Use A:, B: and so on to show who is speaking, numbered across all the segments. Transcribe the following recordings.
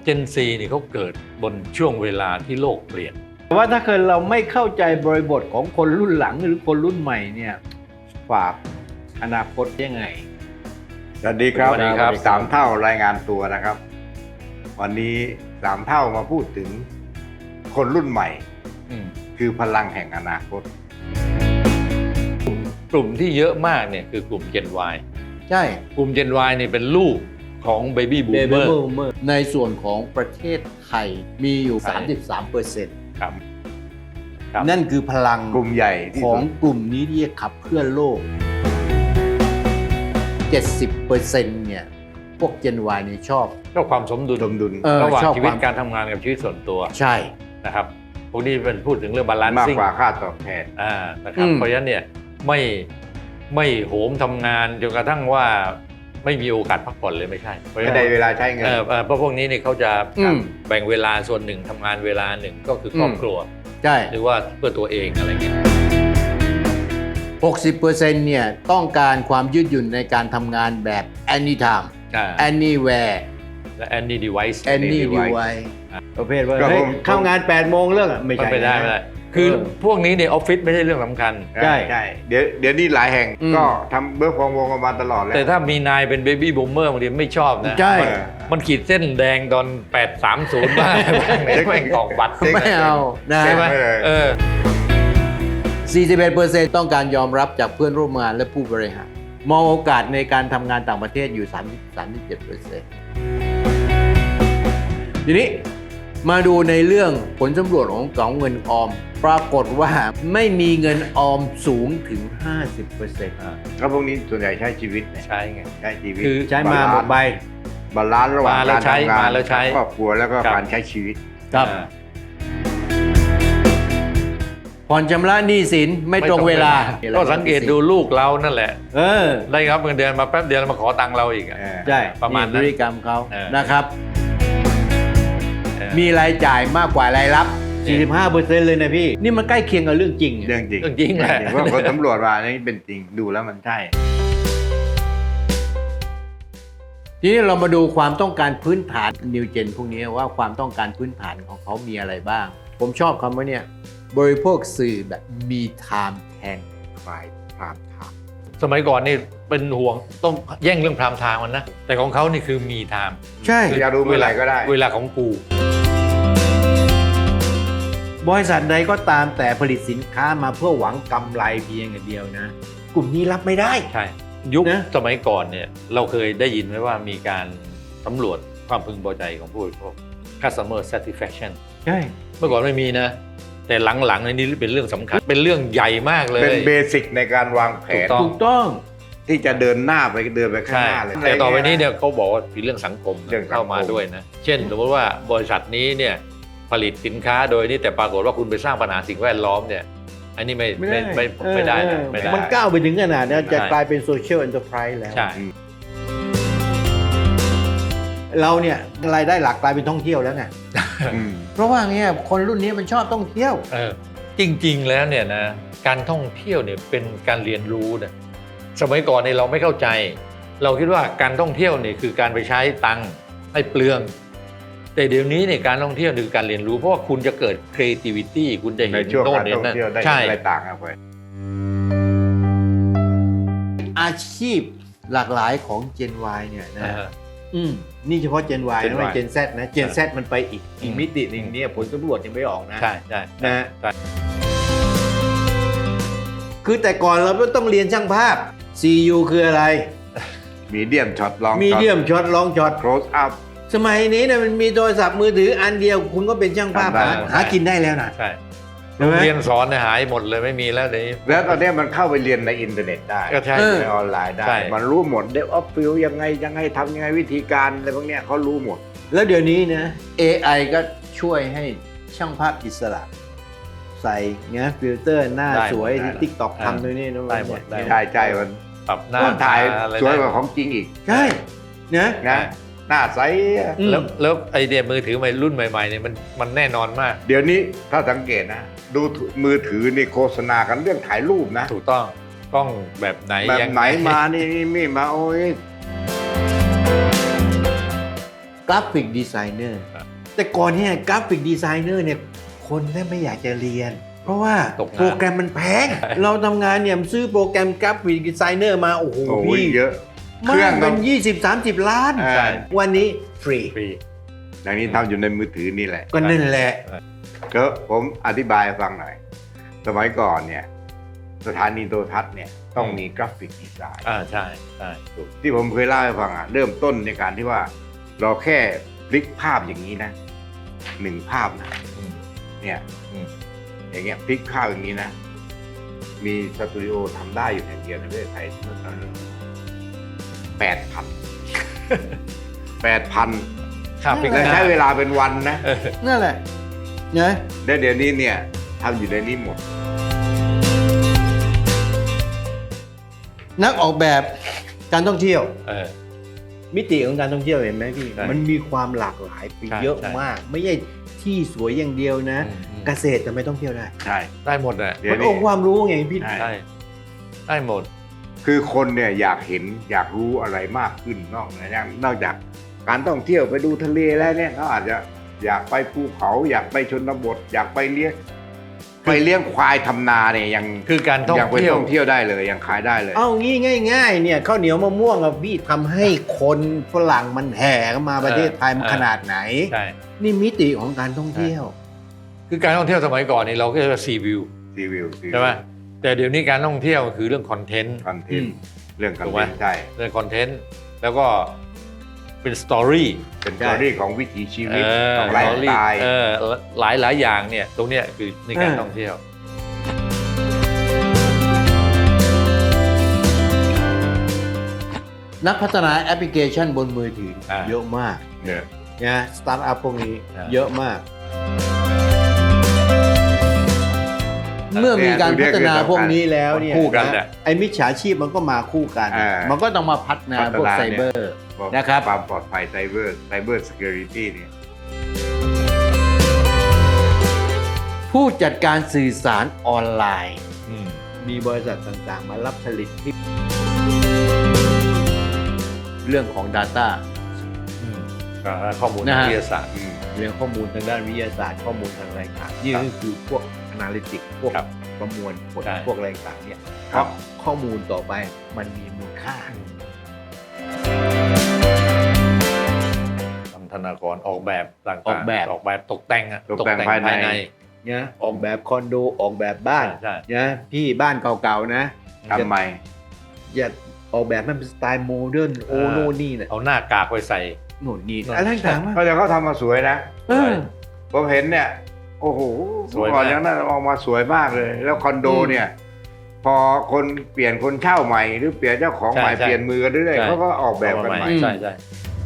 A: เจนซีนี่เขาเกิดบนช่วงเวลาที่โลกเปลี่ยน
B: แต่ว่าถ้าเกิดเราไม่เข้าใจบริบทของคนรุ่นหลังหรือคนรุ่นใหม่เนี่ยฝากอนาคตยังไง
C: สวัสดีครับ
A: สวัสดีครับ
C: สามเท่ารายงานตัวนะครับ วันนี้สามเท่ามาพูดถึงคนรุ่นใหม่
A: อืม
C: คือพลังแห่งอนาคต
A: กลุ่มที่เยอะมากเนี่ยคือกลุ่ม Gen Y
B: ใช่
A: กลุ่ม Gen Y นี่เป็นลูกของ Baby
B: เบ
A: Boomer
B: เบอร์ในส่วนของประเทศไทยมีอยู่
A: ใช่
B: 33%
A: ครับ ครับ
B: นั่นคือพลัง
C: กลุ่มใหญ่ที่
B: ของ
C: สุด
B: กลุ่มนี้ที่จะขับเคลื่อนโลก 70% เนี่ย พวก Gen Y นี่ชอบ
A: ก็ความสมดุล
C: สมดุล
A: ระหว่าง
B: ชอบ
A: ชีวิต
B: ความ
A: การทำงานกับชีวิตส่วนตัว
B: ใช่
A: นะครับพวกนี้เป็นพูดถึงเรื่องบาลาน
C: มาก
A: ซิ่ง
C: กว่าค่าตอบแทน
A: นะครับ เพราะฉะนั้นเนี่ยไม่โหมทำงานจนกระทั่งว่าไม่มีโอกาสพักผ่อนเลยไม่ใช่เพราะฉะ
C: ไม่
A: นั้น
C: ได้เวลาใช้เงิน
A: เพราะพวกนี้เนี่ยเขาจะ
B: อืม
A: แบ่งเวลาส่วนหนึ่งทำงานเวลาหนึ่งก็คือครอบครัว
B: ใช่
A: หรือว่าเพื่อตัวเองอะไรเงี้ย
B: 60% เนี่ย ต้องการความยืดหยุ่นในการทำงานแบบ anytime anywhere
A: และ any device
B: any
C: device
B: device ประเภทว่า
C: ก็
B: เฮ้ย
C: ผม
B: เข้างาน8โมงเลิกอะไม่
A: มัน
B: ใช่
A: ไม่ได้
B: นะ
A: ไม่ได้ คือพวกนี้ในออฟฟิศไม่ใช่เรื่องสำคัญ
B: ใช่
C: ใช่เดี๋ยวนี้หลายแห่ง
B: อืม
C: ก็ทำเบิร์กฟอร์มวงกันมาตลอดแล้ว
A: แต่ถ้ามีนายเป็นเบบี้บูมเมอร์บางทีไม่ชอบนะ
B: ใช่
A: มันขีดเส้นแดงตอน 830 บ้างไหนแม่งตอกบัตร
B: ไม่เอานะ
A: ใช่ไหม
B: 41% ต้องการยอมรับจากเพื่อนร่วมงานและผู้บริหารมองโอกาสในการทำงานต่างประเทศอยู่ 37% ทีนี้มาดูในเรื่องผลสำรวจของเงินออม ปรากฏว่าไม่มีเงินออมสูงถึง 50%
C: ก็พวกนี้ส่วนใหญ่ใช้ชีวิตเนี่ย
A: ใช่ไง
C: ใช้ชีวิต
A: คือ
B: ใช้มาหมดใบบ
C: าลานซ์ระหว่าง
A: มาแล้
C: กาว ร
A: ใช้
C: ทำงาน
A: มาแล้วใช้
C: ครอบครัวแล้วก็
A: ครับ
C: การใช้ชีวิต
B: ครับผ่อนชำระหนี้สินไม่ตรงเวลา
A: ก็สังเกตดูลูกเรานั่นแหละ
B: เออ
A: ได้รับเงินเดือนมาแป๊บเดียวแล้วมาขอตังค์เราอีกอะ
B: ใช่
A: ประมาณนั้น
B: พฤติกรรมเขา
A: เออ
B: นะครับ
A: เออ
B: มีรายจ่ายมากกว่ารายรับ 45% เลยนะพี่ นี่มันใกล้เคียงกับเรื่องจริง
C: เรื่องจริง
A: เรื่องจริงแหละ
C: ว่าคนสำรวจมานี่เป็นจริงดูแล้วมันใช่
B: ทีนี้เรามาดูความต้องการพื้นฐานนิวเจนพวกนี้ว่าความต้องการพื้นฐานของเขามีอะไรบ้าง ผมชอบคำว่าเนี่ยบริโภคสื่อแบบมีไทม์แทนใครพรามไทม์
A: สมัยก่อนนี่เป็นห่วงต้องแย่งเรื่องพรามไทม์มันนะ แต่ของเขานี่คือมีไทม์
B: ใช่
C: อยากดูเมื่อไหร่ก็ได้
A: เวลาของกู
B: บริษัทใดก็ตามแต่ผลิตสินค้ามาเพื่อหวังกำไรเพียงอย่างเดียวนะ กลุ่มนี้รับไม่ได้
A: ใช่ ยุค
B: นะ
A: สมัยก่อนเนี่ยเราเคยได้ยินไหมว่ามีการสำรวจความพึงพอใจของผู้บริโภค customer satisfaction
B: ใช่
A: เมื่อก่อนไม่มีนะ แต่หลังๆนี่เป็นเรื่องสำคัญ เป็นเรื่องใหญ่มากเลย
C: เป็นเบสิกในการวางแผน
A: ถู
B: ถูกต้อง
C: ที่จะเดินหน้าไปข้าง
A: ใช่
C: หน้าเลย
A: แต่ต่อไปนี้เนี่ยเขาบอกว่ามีเรื่องสังคม
C: เรื่องสังคม
A: เข้ามาด้วยนะ เช่นสมมติว่าบริษัทนี้เนี่ยผลิตสินค้าโดยนี่แต่ปรากฏว่าคุณไปสร้างปัญหาสิ่งแวดล้อมเนี่ย อันนี้ไม่ได้นะไม่ได้
B: มันก้าวไปถึงขนาดนี้จะ
A: ใช่
B: กลายเป็นโซเชียลแอนเตอร์ไพรส์แล้ว
A: ใช่
B: เราเนี่ยรายได้หลักกลายเป็นท่องเที่ยวแล้วไง
C: อืม
B: เพราะว่าเงี้ยคนรุ่นนี้มันชอบท่องเที่ยว
A: จริงๆแล้วเนี่ยนะการท่องเที่ยวเนี่ยเป็นการเรียนรู้นะสมัยก่อนเนี่ยเราไม่เข้าใจ เราคิดว่าการท่องเที่ยวเนี่ยคือการไปใช้ตังค์ให้เปลือง แต่เดี๋ยวนี้เนี่ยการท่องเที่ยวคือการเรียนรู้เพราะว่าคุณจะเกิด creativity คุณจะ
C: ใน
A: เห็น
C: ช่วง
A: โน่น
C: การ
A: เห็น
C: ท่อง
A: นั่น
C: เที่ยวได้
A: ใช่
C: อะไรต่างกันไป
B: อาชีพหลากหลายของ Gen Y เนี่ยนะ
A: อ่า
B: นี่เฉพาะ Gen Y
C: Gen
B: นะไม่
C: Y
B: Gen Z นะ Gen Z มันไปอีกมิติหนึ่งเนี่ยผลสำรวจยังไม่ออกนะ
A: ใช่ใช่
B: นะ
A: ใช่
B: คือแต่ก่อนเราต้องเรียนช่างภาพ CU คืออะไร
C: มีเดียมช็อตลอง
B: มีเดียมช็อตลองช็อต
C: โครสอัพ
B: สมัยนี้เนี่ยมันมีโทรศัพท์มือถืออันเดียวคุณก็เป็นช่างภาพ
C: ทำได้
B: หากินได้แล้วนะ
A: ใช่
B: ใช่ไหม
A: เรียนสอนเนี่ยหายหมดเลยไม่มีแล้วเดี๋ยวนี้
C: แล้วตอนนี้มันเข้าไปเรียนในอินเทอร์เน็ตได้
A: ก็ใช่
C: ในออนไลน์ได้
A: ใช่
C: มันรู้หมดเดฟออฟฟิลยังไงทำยังไงวิธีการอะไรพวกเนี้ยเขารู้หมด
B: แล้วเดี๋ยวนี้นะ AI ก็ช่วยให้ช่างภาพอิสระ ใส่เงี้ยฟิลเตอร์หน้า
A: ได้
B: สวย
C: ได้
B: ที่ TikTok ทำด้วยนี่นะ
A: ได้หมดได้
C: ใช่มัน
A: ปรับหน้า
C: มันถ่าย
A: อะไร
C: สวยก
A: ได้
C: ว่าของจริงอีก
B: ใช่นะ
C: นะหน้าใส
B: อืม
A: แล้วไอเดียมือถือใหม่รุ่นใหม่ๆเนี่ยมันแน่นอนมาก
C: เดี๋ยวนี้ถ้าสังเกตนะ ดูมือถือนี่โฆษณากันเรื่องถ่ายรูปนะ
A: ถูกต้องกล้องแบบไหน
C: แบบ
A: ยัง
C: ไหนมานี่มีมาโอ้ย
B: กราฟิกดีไซเนอร์
A: ครับ
B: แต่ก่อนเนี่ยกราฟิกดีไซเนอร์เนี่ยคนแม่ไม่อยากจะเรียน เพราะว่า
A: ตกงาน
B: โปรแกรมมันแพง เราทำงานเนี่ยซื้อโปรแกรมกราฟิกดีไซเนอร์มาโอ้โห
C: โอ้โห
B: พี่
C: เยอะ เค
B: มา
C: รื่อง
B: ก
C: ก็
B: เป็น 20-30 ล้าน
C: ใช่
B: วันนี้ฟรี
A: ฟรี
C: อย่างนี้ทำอยู่ในมือถือนี่แหละ
B: ก็นั่นแหละ
C: ก็ผมอธิบายให้ฟังหน่อย สมัยก่อนเนี่ยสถานีโทรทัศน์เนี่ยต้องมีกราฟิกดีไซน์
A: ใช่ใช่ถูก
C: ที่ผมเคยเล่าให้ฟังเริ่มต้นในการที่ว่า เราแค่พลิกภาพอย่างนี้นะ1 ภาพนะ
A: อืม
C: เนี่ย
A: อืม
C: อย่างเงี้ยพลิกภาพอย่างนี้นะ มีสตูดิโอทำได้อยู่แห่งเดียวในประเทศไทยเมื่อตอนนั้น8,000
A: ค่าพลิก
C: และ
A: หน้า
C: ใช้เวลาเป็นวันนะ
B: นั่นแหละนะ
C: และเดี๋ยวนี้เนี่ยทำอยู่ในนี้หมด
B: นักออกแบบการท่องเที่ยว
A: เออ
B: มิติของการท่องเที่ยวเห็นไหมพี่
A: ใช่
B: มันมีความหลากหลายไป
A: ใช่
B: เยอะ
A: ใช่
B: มาก ไม่ใช่ที่สวยอย่างเดียวนะ
A: อืม
B: เกษตรทำไมต้องเที่ยวได้
C: ใช่
A: ได้หมดอ่ะ
C: เดี๋ยว
B: มัน
C: นี้
B: องค์ความรู้ไงพี่
C: ใช่
A: ได้ได้หมด
C: คือคนเนี่ยอยากเห็นอยากรู้อะไรมากขึ้นนอกจากการท่องเที่ยวไปดูทะเลแล้วเนี่ยเขาอาจจะอยากไปภูเขา อยากไปชนบท อยากไปเลี้ยงควายทำนาเนี่ยยัง
A: คือการท่อง
C: ยังไป
A: เที่ยว
C: ท่องเที่ยวได้เลยยังขายได้เลย
B: เอางี้ง่าย ๆ เนี่ยข้าวเหนียวมะม่วงอะพี่ทำให้คนฝรั่งมันแห่เข้ามาประเทศไทยมันขนาดไหน
A: ใช่
B: นี่มิติของการท่องเที่ยว
A: คือการท่องเที่ยวสมัยก่อนนี่เราก็จะซีวิว
C: รีวิว
A: ใช่ไหมแต่เดี๋ยวนี้การท่องเที่ยวคือเรื่องคอนเทนต์
C: คอนเทนต์เรื่องคอน
A: ถูก
C: เท
A: ไหม
C: นต์ใช่
A: เรื่องคอนเทนต์แล้วก็เป็นสตอรี่
C: เป็นสตอรี่ของวิถีชีวิต
A: เออ
C: ของไลฟ์สไตล์
A: หลายอย่างเนี่ยตรงเนี้ยคือในการท่องเที่ยว
B: นักพัฒนาแอปพลิเคชันบนมือถืออา เยอะมาก
C: เนี่ย
B: นะสตาร์ทอัพพวกนี้
A: อ่า
B: เยอะมาก เมื่อมีการพัฒนาพวกนี้แล้วเนี่ย
A: คู่กันแหละ
B: ไอ้มิจฉาชีพมันก็มาคู่กัน มันก็ต้องมาพัฒนาพวกไซเบอร์ นะครับ
C: ความปลอดภัยไซเบอร์ security เนี่ย
B: ผู้จัดการสื่อสารออนไลน์
A: อืม
B: มีบริษัทต่างๆ มารับผลิตที่เรื่องของ Data
A: อืมข้อมูล
B: นะ
A: ทาง
B: ฮะ
A: วิทยาศาสตร์
B: เรื่องข้อมูลทางด้านวิทยาศาสตร์ข้อมูลทางอะไรต่างๆนี่
A: ครับ
B: ก็คือพวก Analytics พวก
A: ครับ
B: ประมวลผล
A: ใช่
B: พวกอะไรต่างๆเนี่ย
C: ครับ
B: ข้อมูลต่อไปมันมีมูลค่า
A: ทำธนากรออกแบบต่างๆ
B: ออกแบบ
A: ออกแบบตกแต่งอะ
C: ตกแต่งภายใน
B: นะออกแบบคอนโดออกแบบบ้าน
A: ใช่
B: นะพี่บ้านเก่าๆนะ
C: ทำไม
B: อย่าออกแบบมันเป็นสไตล์โมเดิร์นโอโน่นนี่เนี่ย
A: เอาหน้ากากไปใส่
B: โน่นนี่
A: โน่น
B: อะไรต่างๆมาก
C: เขาทำมาสวยนะ
B: เออ
C: ผมเห็นเนี่ย โอ้โห
A: สวยมาก
C: ก่อนอย่างนั้นออกมาสวยมากเลย แล้วคอนโดเนี่ย พอคนเปลี่ยนคนเช่าใหม่ หรือเปลี่ยนเจ้าของใหม่
A: ใช่
C: เปลี่ยนมือกันเรื่อย
A: ใช่
C: ๆเขาก็ออกแบบกันใหม่
A: ใช่ใช่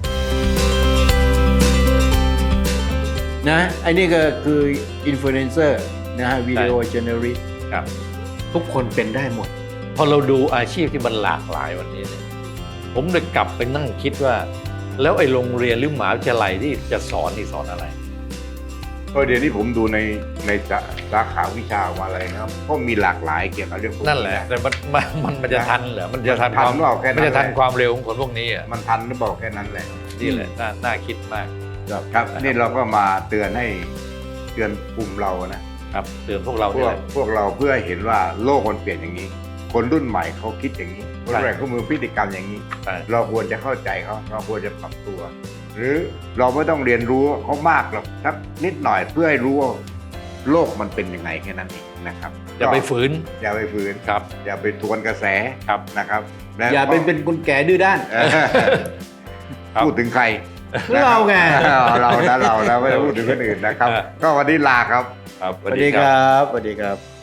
B: นะไอ้นี่ก็คืออินฟลูเอนเซอร์นะฮะวิดีโอเจเนอเรต
A: ครับ
B: ทุกคนเป็นได้หมด
A: พอเราดูอาชีพที่มันหลากหลายวันนี้เนี่ยผมเลยกลับไปนั่งคิดว่า แล้วไอ้โรงเรียนหรือมหาวิทยาลัยที่จะสอนนี่สอนอะไร
C: ก็เดี๋ยวนี้ผมดูในสาขาวิชามาอะไรนะครับก็มีหลากหลายเกี่ยวกับเรื่องพวก
A: นั่นแหละ แต่มันจะทันเหรอมันจะทัน
C: ทันหรือเปล่าแค่นั้น
A: มันจะทัน
C: แหละ
A: ความเร็วของคนพวกนี้อ่ะ
C: มันทันหรือเปล่าแค่นั้นแหละ
A: นี่แหละน่าคิดมาก
C: ครับนี่เราก็มาเตือนกลุ่มเรานะครับ
A: เตือนพวกเรา
C: พ
A: เนี่
C: วย ก
A: แหละ
C: พวกเราเพื่อเห็นว่าโลกมันเปลี่ยนอย่างนี้ คนรุ่นใหม่เขาคิดอย่างนี้คนรุ่นใหม่เขามือพฤติกรรมอย่างนี้
A: ใช่
C: เราควรจะเข้าใจเขาเราควรจะปรับตัว หรือเราไม่ต้องเรียนรู้เขามากหรอกสักนิดหน่อยเพื่อให้รู้ว่าโลกมันเป็นยังไงแค่นั้นเองนะครับ
A: อย่าไปฝืน
C: อย่าไปฝืน
A: ครับ
C: อย่าไปทวนกระแส
A: ครับ
C: นะครับและ
B: อย่าเป็นคนแก่ดื้อด้าน
C: เออ
A: ครับ
C: พูดถึงใคร
B: เราไง
C: เรานะไม่ได้พูดถึงคนอื่นนะครับ ก็วันนี้ลาครับ
A: ครับ
B: สวัสดีครับสวัสดีครับ